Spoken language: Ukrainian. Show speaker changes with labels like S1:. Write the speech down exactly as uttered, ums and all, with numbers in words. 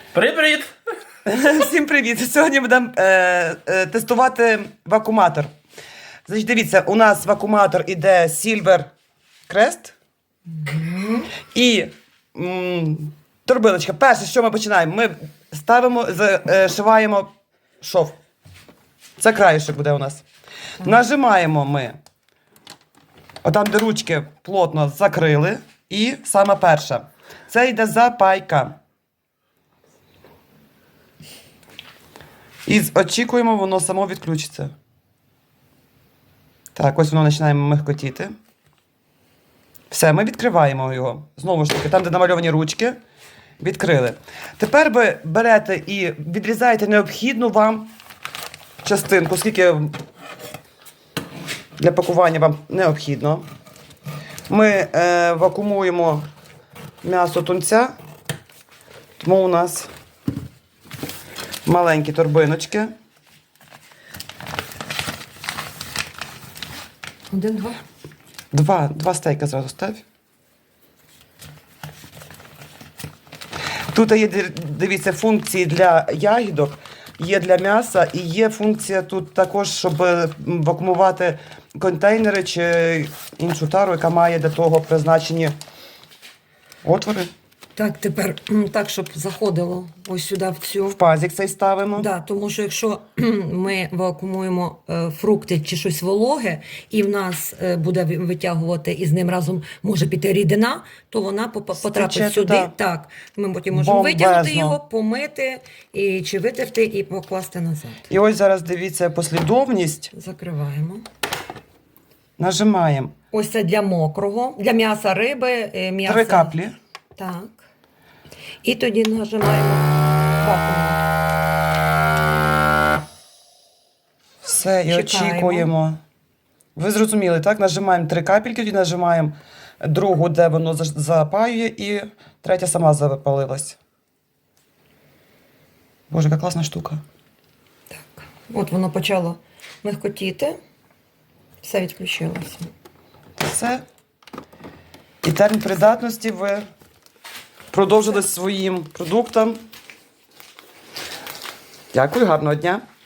S1: Привіт!
S2: Всім привіт! Сьогодні будемо е, е, тестувати вакууматор. Значить, дивіться, у нас вакууматор іде Silver Crest. Mm-hmm. І м, турбиночка. Перше, що ми починаємо? Ми ставимо, зшиваємо шов. Це краєшок буде у нас. Mm-hmm. Нажимаємо ми. Отам, де ручки плотно закрили. І саме перша. Це йде запайка. І очікуємо, воно само відключиться. Так, ось воно починає михкотіти. Все, ми відкриваємо його. Знову ж таки, там, де намальовані ручки, відкрили. Тепер ви берете і відрізаєте необхідну вам частинку, скільки для пакування вам необхідно. Ми е, вакуумуємо м'ясо тунця, тому у нас маленькі торбиночки.
S3: Один, два.
S2: Два, два стейка зразу став. Тут є, дивіться, функції для ягідок, є для м'яса і є функція тут також, щоб вакуумувати контейнери чи іншу тару, яка має для того призначені отвори.
S3: Так, тепер так, щоб заходило ось сюди в цю.
S2: В пазик цей ставимо.
S3: Да, тому що якщо ми вакуумуємо е, фрукти чи щось вологе, і в нас е, буде витягувати, і з ним разом може піти рідина, то вона поп- потрапить
S2: Стече
S3: сюди.
S2: туди.
S3: Так, ми потім можемо
S2: Бомбезно.
S3: витягнути його, помити, і, чи витерти і покласти назад.
S2: І ось зараз дивіться послідовність.
S3: Закриваємо.
S2: Нажимаємо.
S3: Ось це для мокрого, для м'яса риби, е, м'яса.
S2: Три каплі.
S3: Так. І тоді нажимаємо вакуум.
S2: Все, і
S3: Чекаємо.
S2: очікуємо. Ви зрозуміли, так? Нажимаємо три капельки, тоді нажимаємо другу, де воно за- запаює, і третя сама запалилась. Боже, яка класна штука.
S3: Так. От воно почало михкотіти. Все відключилося.
S2: Все. І термін придатності ви продовжили своїм продуктам. Дякую, гарного дня.